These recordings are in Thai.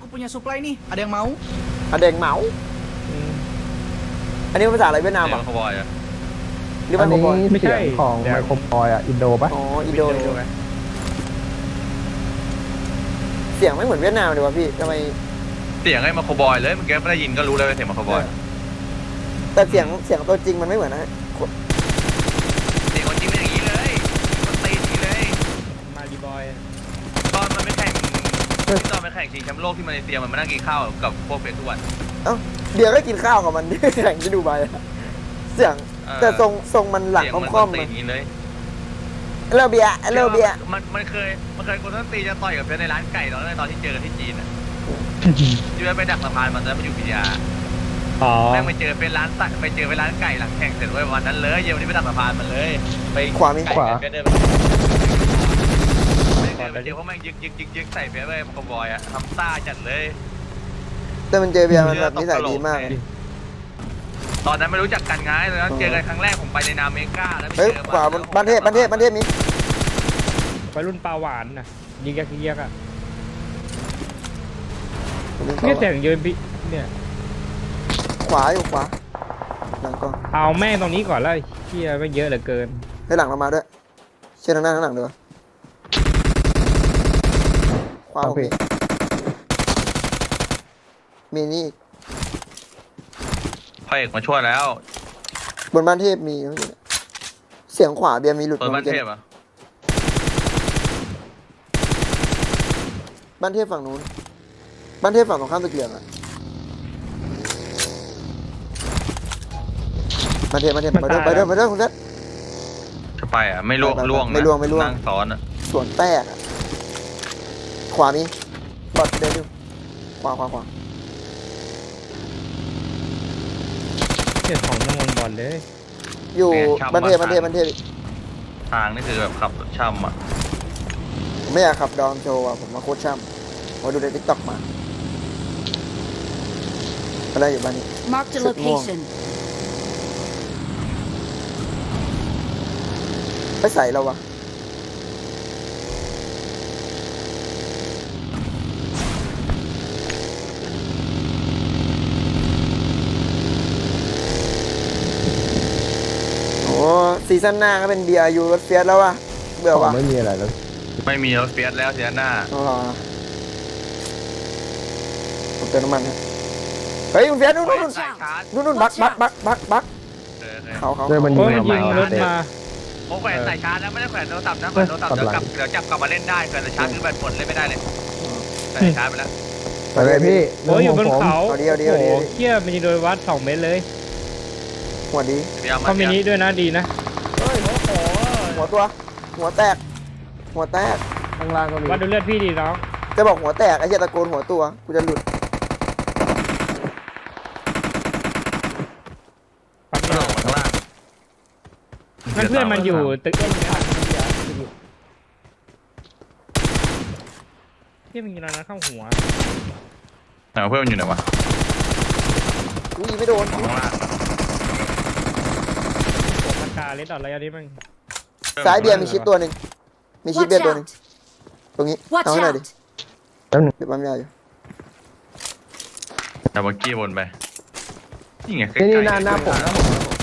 Aku punya supply nih. Ada yang mau? Ada yangเมาอันนี้ภาษาอะไรเวียดนามเสียอ่ะงเขาบอยอะหรืออัว่าน โคนี้บอยเสียงของไมโครบอยอ่ะอินโดปะอ๋ออินโดเสียงไม่เหมือนเวียดนามเลยวะพี่ทำไมเสียงไอ้มาโคบอยเลยเมื่อกี้ไม่ได้ยินก็รู้เลยว่าเสียงมาโคบอยแต่เสียงตัวจริงมันไม่เหมือนนะเสียงคนจริงเป็นอย่างนี้เลยมันตีอย่างนี้เลยมาดีบอยตอนมันไปแข่งที่ตอนไปแข่งชิงแชมป์โลกที่มาเลเซียมันมานั่งกินข้าวกับพวกเฟซทุกวันเอ้าเบียร์ก็กินข้าวกับมันแข่งที่ดูไบอะเสียงแต่ทรงมันหลังเสียงมันค่อมๆตีมันอย่างนี้เลยเลิกเบียร์เลิกเบียร์มันเคยคนต้นตีจะต่อยกับเฟซในร้านไก่ตอนที่เจอกันที่จีนอ่ะที่ว่าไปดักสะพานมันแล้วมันอยู่พิทยาอ๋อแม่งไปเจอเป็นร้านไก่หลังแข่งเสร็จไว้วันนั้นเลยเย็นวันนี้ไปดักสะพานมันเลยไปขวามีไก่ขวาเดินไปเดี๋ยวเขาแม่งยึกใส่เฟซเลยมันก็บอยอะทำซ่าจัดเลยแต่มันเจอเบียร์มันแบบนิสัยดีมากเลยตอนนั้นไม่รู้จักกันไงตอนนั้นเจอกันครั้งแรกผมไปในนามเมกาแล้วไปเฮ้ยเจอขวาบ้านเทพมีวัยรุ่นปลาหวานน่ะยิงแกขี้เกียจอ่ะเนี่ยเสียงยืนพี่เนี่ยขวาอยู่ขวาหลังกล้องเอาแม่งตรงนี้ก่อนแล้วเชี่ยไม่เยอะเหลือเกินให้หลังเรามาด้วยเชื่อทางหน้าข้างหลังเดี๋ยวขวาผมมีนี่พ่อเอกมาช่วยแล้วบนบ้านเทพมีเสียงขวาเบียร์มีหลุดเปิดบ้านเทพอ่ะบ้านเทพฝั่งนู้นบ้านเทพฝั่งตรงข้ามตึกเหลืองอะบ้านเทพไปด้วยคุณเซตจะไปอ่ะไม่ล่วงไปล่วงไม่ล่วงนั่งซ้อนอ่ะสวนแตกอะขวามีบอดเดินอยู่ขวาเสียงของน้ำมันบอลเลยอยู่บ้านเทพทางนี่คือแบบขับรถช่ำอ่ะผมไม่อยากขับดอมโชว์อะผมมาโคตรช่ำมาดูในทิกตอกมาอะไรอยู่บ้านนี้ Marked a location. ไปใส่เราวะโอ้ซีซั่นหน้าก็เป็นเบียร์ยูรถเฟียสแล้ววะเบื่อของวะไม่มีอะไรแล้วไม่มีรถเฟียสแล้วเสียหน้าอ๋อผมเติมน้ำมันฮะเฮ้ยคุณเฟียสนู่นสายชาร์จนู่นบักเขาเจอมันยิเขางเขามายิงรถมาผมแขวนสายชาร์จแล้วไม่ได้แขวนโทรศัพท์นะแขวนโทรศัพท์เดี๋ยวจับกลับมาเล่นได้แขวนสายชาร์จคือแบตหมดเล่นไม่ได้เลยสายชาร์จไปแล้วไปเลยพี่โอ้ยอยู่บนเขาเอาดีโอ้โหเชี่ยมันยิงโดยวัด2 เมตรเลยหัวดีเดี๋ยวเขามินิด้วยนะดีนะหัวตัว หัวแตกข้างล่างก็มีวัดดูเลือดพี่ดีน้องจะบอกหัวแตกไอ้เหี้ยตะโกนหัวตัวกูจะหลุดปักกระโดดข้างล่างนั่นเพื่อนมันอยู่ตึกที่มันยิงนั้นเข้าหัวไหนเพื่อนมันอยู่ไหนวะอุ้ยไม่โดนข้างล่างปากกาเล็ดดอทอะไรอันนี้มันซ้ายเบียร์มีชิดตัวหนึ่งมีชิด Watch เบียร์ตัวหนึ่ง out! ตรงนี้ Watch เอาให้หน่อยดิ out! เดี๋ยวปั๊มยาอยู่ดับเบิลกี้บนไปนี่ไงนี่หน้าผมนะ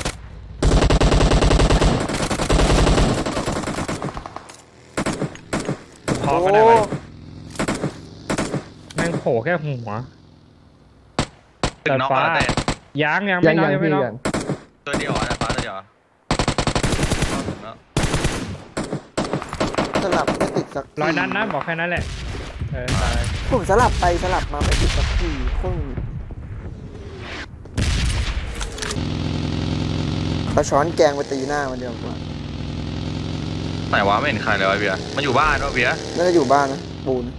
พอก็ได้ไปแม่งโผล่แค่หัวตึกน็อกแล้วแต่ยังไม่น้อยยังไม่น้อยตัวเดียวนะฟ้าตัวเดียวสลับไม่ติดสักที 100 นัดนะบอกแค่นั้นแหละตายผมสลับไปสลับมาไม่ติดสักทีโคตรเอาช้อนแกงไปตีหน้ามันเดียวกว่าไหนวะไม่เห็นใครเลยวะเบียร์มันอยู่บ้านวะเบียร์น่าจะอยู่บ้านนะปูน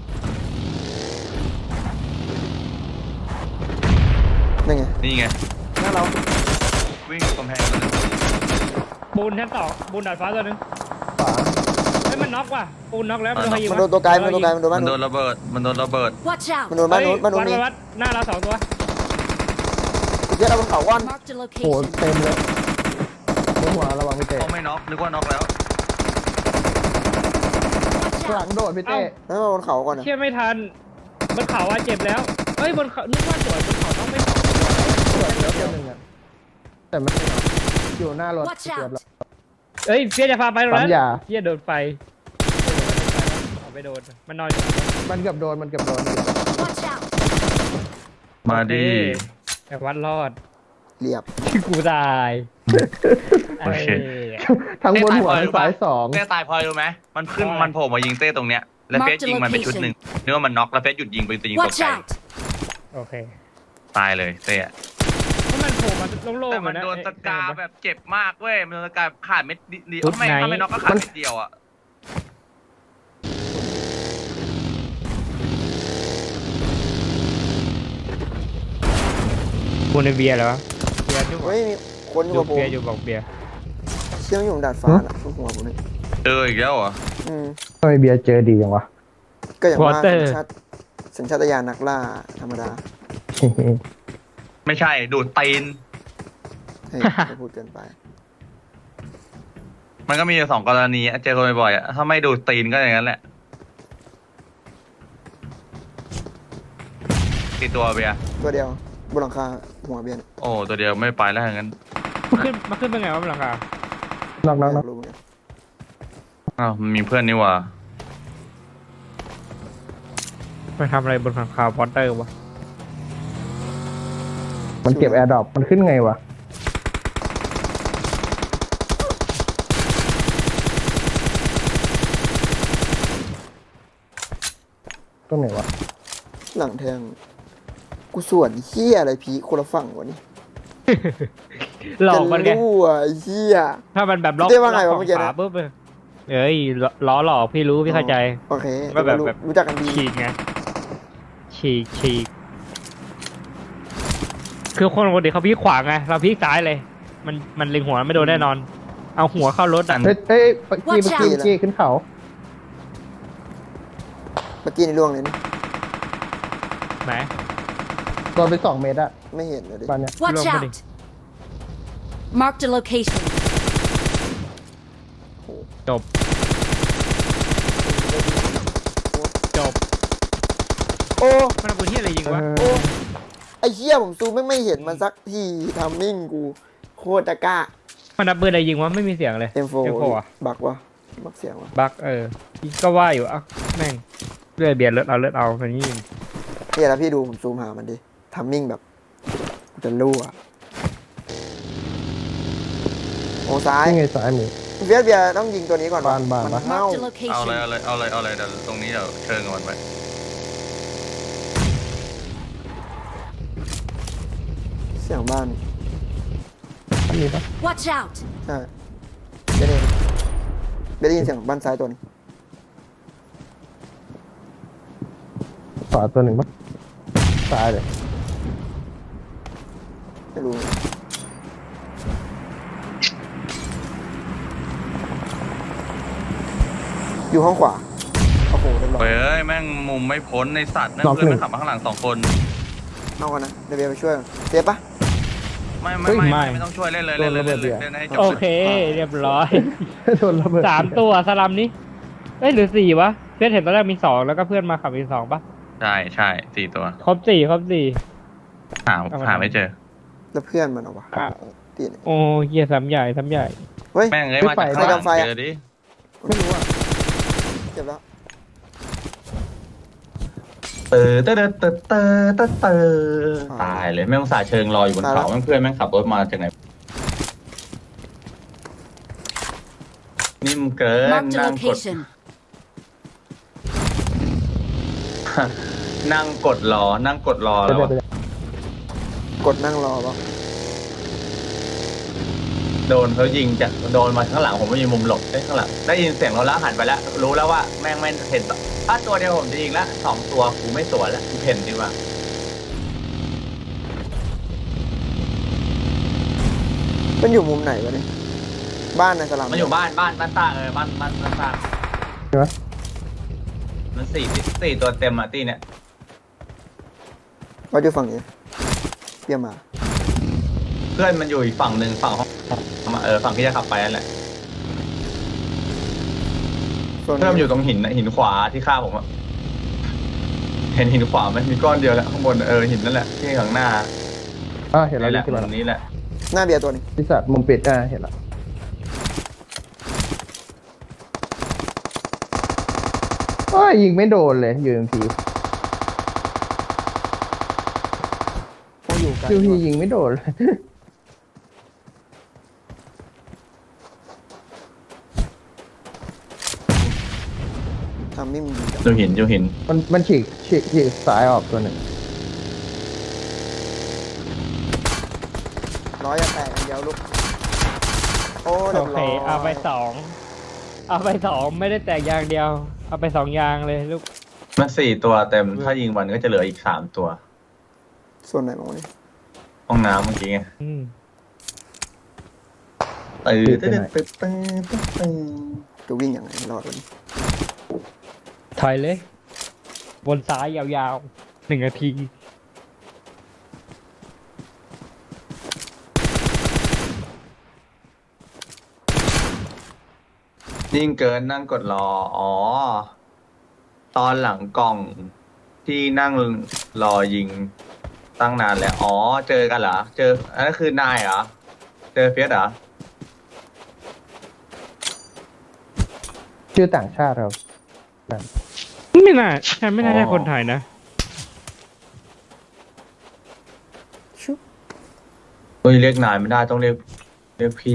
นี่ไงนี่ไงหน้าเราวิ่งกำแพงเลยปูนชั้น2ปูนดาดฟ้าตัวนึงขวาเฮ้ยมันน็อกว่ะปูนน็อกแล้วมันโดนใครยิงมันวะโดนตัวไกลมันโดนบ้านมันโดนู้นนระเบิดมันโดนระเบิด Watch มัน out! โดนบ้านนู้นบ้านนู้นวัดหน้าเรา2 ตัวเดี๋ยวเราบนเขาว่อน Marked a โอ้ location. เต็มเลยหัวระวังพี่เต้เขาไม่น็อกนึกว่าน็อกแล้ว Watch หลัง out! โดดพี่เต้แล้วมาบนเขาก่อนนะเชี่ยไม่ทันบนเขาเจ็บแล้วเฮ้ยบนเขานึกว่าสวยบนเขาต้องไม่สองตัวตรวจแล้วตัวหนึ่งอ่ะแต่ไม่ได้อยู่หน้ารถ Watch เกือบ out! แล้วเฮ้ยเพี้ยจะพาไปตรงนั้นปั๊มยาเพี้ยโดนไฟเอาไปโดนมันนอนอยู่มันเกือบโดน Watch out! มาดีแต่วัดรอดเรียบกูตายโอเคทั้งบนหัวทั้งซ้ายสองเต้ตายพลอยรู้ไหมมันขึ้นมันโผล่มายิงเต้ตรงเนี้ยแล้วเฟสยิงมันไปชุดหนึ่งนึกว่ามันน็อกแล้วเฟสหยุดยิงไปยิงตก Watch ใจ out! โอเคตายเลยเต้อะเพราะมันโผล่มาโล่งแต่ๆมันอะะโดนตะกาแบบเจ็บมากเว้ยมันโดนตะกาขาดเม็ดเดียวชุดไม่ไหนถ้าไม่น็อกก็ขาดเม็ดเดียวอ่ะกูในเบียร์เหรอเบียร์อยู่เฮ้ยมีคนอยู่อยู่กับผมเบียร์อยู่บอกเบียร์เชื่อมอยู่บนดาดฟ้าน่ะทุกหัวผมเลยเจออีกแล้วเหรออืมทำไมเบียร์เจอดีจังวะก็อย่างว่าสัญชาตญาณนักล่าธรรมดาไม่ใช่ดูดตีนเฮ้ยจะพูดเกินไปมันก็มีอยู่สองกรณีอะเจอคนบ่อยๆอะถ้าไม่ดูดตีนก็อย่างนั้นแหละกี่ตัวเบียร์ตัวเดียวบนหลังคาหัวเบียร์เนี่ยโอ้ตัวเดียวไม่ไปแล้วอย่างนั้นมันขึ้นเป็นไงวะบนหลังคาน็อกอยากรู้เหมือนกันอ้าวมันมีเพื่อนนี่หว่าไปทำอะไรบนหลังคาพอตเตอร์วะมันเก็บแอร์ดรอปมันขึ้นไงวะตรงไหนวะหลังแทงกูส่วนเฮียอะไรพีคนละฝั่งวะนี่หลอกมันไงจะรู้อ่ะไอ้เฮียถ้ามันแบบล็อกพี่เต้ว่าไงวะล็อกเมื่อกี้ขนะวาปุ๊บเอ้ยล้อหลอกพี่รู้พี่เข้าใจโอเคว่าแบบรู้จักกันดีฉีกไงฉีกคือคนปกติเขาพลิกขวาไงเราพลิกซ้ายเลย มันเล็งหัวไม่โดนแน่นอน เอาหัวเข้ารถอ่ะเฮ้ยเมื่อกี้ขึ้นเขาเมื่อกี้ในร่วงเลยนี่ไหนโดนไป2 เมตรอะไม่เห็นเลยดิบ้านเนี้ย Watch Lumber. out! Marked a location. จบจบโอ้มันเอาปืนที่อะไรยิงวะโอ้ไอ้เฮียผมซูมไม่เห็นมันสักทีทำมิ่งกูโคตรตะกร้ามันเอาปืนอะไรยิงวะไม่มีเสียงเลย M4 อ่ะบักวะบักเสียงวะบักก็ว่าอยู่อ่ะแม่งเลือดเบียดเลือดเอามันยิงเนี่ยแล้วพี่ดูผมซูมหามันดิทำมิ่งแบบกูจะรู้อ่ะโอ้ซ้ายนี่ไงซ้ายมือเบียร์ต้องยิงตัวนี้ก่อนวะบ้านมันปะเน่า Marked a เอาเลย location. เอาเลยเดี๋ยวตรงนี้เดี๋ยวเชิญกับมันไปเสียงบ้านอันนี้ปะ Watch out! ใช่เบียร์เองเบียร์ได้ยินเสียงบ้านซ้ายตัวนี้ขวาตัวหนึ่งปะซ้ายเลยไม่รู้อยู่ห้องขวาโอ้โหเรียบร้อยเฮ้ยแม่งมุมไม่พ้นในสัตว์แม่งเพื่อนมันขับมาข้างหลัง2 คนเอากันนะเดี๋ยวเบียร์ไปช่วยเจ็บปะไม่ต้องช่วยเล่นเลยเล่นให้จบโอเค เรียบร้อยโดนระเบิด 3 ตัวสลัมนี้หรือ4วะเพื่อนเห็นตอนแรกมี2แล้วก็เพื่อนมาขับอีก2ปะใช่4 ตัวครบ4 หาไม่เจอแล้วเพื่อนมันเอาวะตีนโอ้เหี้ยซ้ำใหญ่เฮ้ยแม่งเลยมาจากข้างหลังเจอดิไม่รู้อ่ะเจ็บแล้วตายเลยแม่งสาเชิงรออยู่บนเขาแม่งเพื่อนแม่งขับรถมาจากไหนนิ่มเกิน Marked a นั่งกด location. นั่งกดรอแล้วกดนั่งรอปะโดนเขายิงจากโดนมาข้างหลังผมไม่มีมุมหลบข้างหลังได้ยินเสียงเราแล้วหันไปแล้ว รู้แล้วว่าแม่งไม่เห็นถ้าตัวเดียวผมจะยิงละ2 ตัวกูไม่สวนแล้วกูเพ่นดีกว่ามันอยู่มุมไหนวะเนี่ยบ้านในสลัมมันอยู่บ้านตาบ้านตาใช่ไหมมัน4 ตัวเต็มอ่ะตีเนี่ยว่าอยู่ฝั่งนี้เปียมาเพื่อนมันอยู่อีกฝั่งหนึ่งฝั่งห้องฝั่งที่จะขับไปนั่นแหละโซนเพื่อนมันอยู่ตรงหินขวาที่ฆ่าผมอ่ะเห็นหินขวาไหมมีก้อนเดียวแล้วข้างบนหินนั่นแหละที่ข้างหน้าเห็นแล้วนี่แหละขึ้นมาตรงนี้แหละหน้าเบียร์ตัวนี้ที่สัตว์มุมปิดเห็นแล้วยิงไม่โดนเลยยูเอ็มพีพวกอยู่กันยูพียิงไม่โดนเลยทำไม่มีดีอยู่หินมันฉีกซ้ายออกตัวหนึ่งร้อยจะแตกอันเดียวลูกโอ้เรีโอยบเคร้อยเอาไปสองไม่ได้แตกยางเดียว เอาไป2ยางเลยลูกมัน4 ตัวเต็มถ้ายิงมันก็จะเหลืออีก3 ตัวส่วนไหนบ้างวะเนี่ยห้องน้ำเมื่อกี้ไงอืมจะวิ่งยังไงไม่รอดวันนี้ถอยเลย บนซ้ายยาวๆ1 นาทียิ่งเกินนั่งกดรอตอนหลังกล่องที่นั่งรอยิงตั้งนานแล้วเจอกันเหรออันนั้นคือนายเหรอเจอเฟียสเหรอชื่อต่างชาติครับไม่น่าใช่ไม่น่าใช่คนไทยนะชุบเฮ้ยเรียกนายไม่ได้ต้องเรียกพี่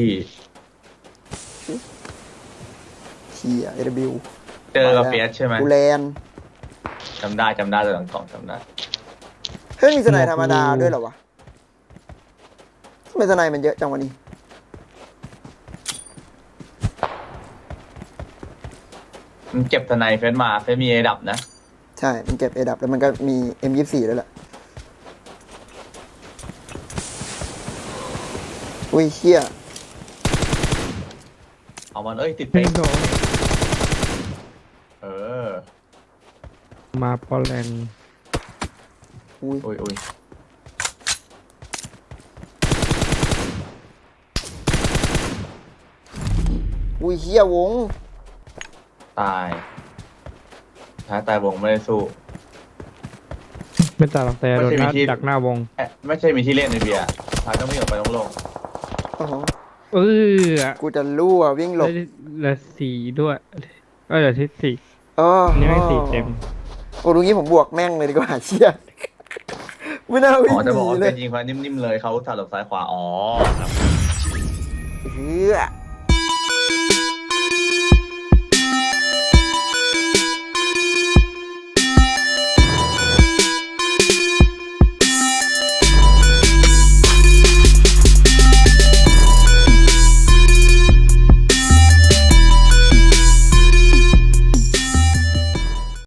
เทียเอเดบิวเจอกับเฟียสใช่ไหมกูแลนจำได้ตัวหลังกล่องจำได้เฮ้ยมีสไนธรรมดาด้วยเหรอวะทำไมสไนมันเยอะจังวะนี่มันเก็บทนายเฟียสมาเฟียสมีเอดับนะใช่มันเก็บเอดับแล้วมันก็มี M24 ด้วยแหละอุ้ยเชี่ยเอามันติดเป๊กเออมาปอลแลนด์อุ้ยอุ้ยอุ้ยเชี่ยวงตายตายวงไม่ได้สู้ไม่ตายหรอกแต่โดนไม่ใช่มีที่ดักหน้าวงไม่ใช่มีที่เล่นในเบียร์ท้ายต้องวิ่งออกไปโล่งโอ้โหเออกูจะรั่ววิ่งหลบเหลือ4ด้วยเหลือที่4 อ๋อนี่ไม่4เต็มโอ้ตรงนี้ผมบวกแม่งเลยดีกว่าเชี่ยไม่น่าวิ่งจะหบอกนีว่าเลเป็ยนยิงควานิ่มๆเลยเขาถาหลบซ้ายขวาครับเฮ้ย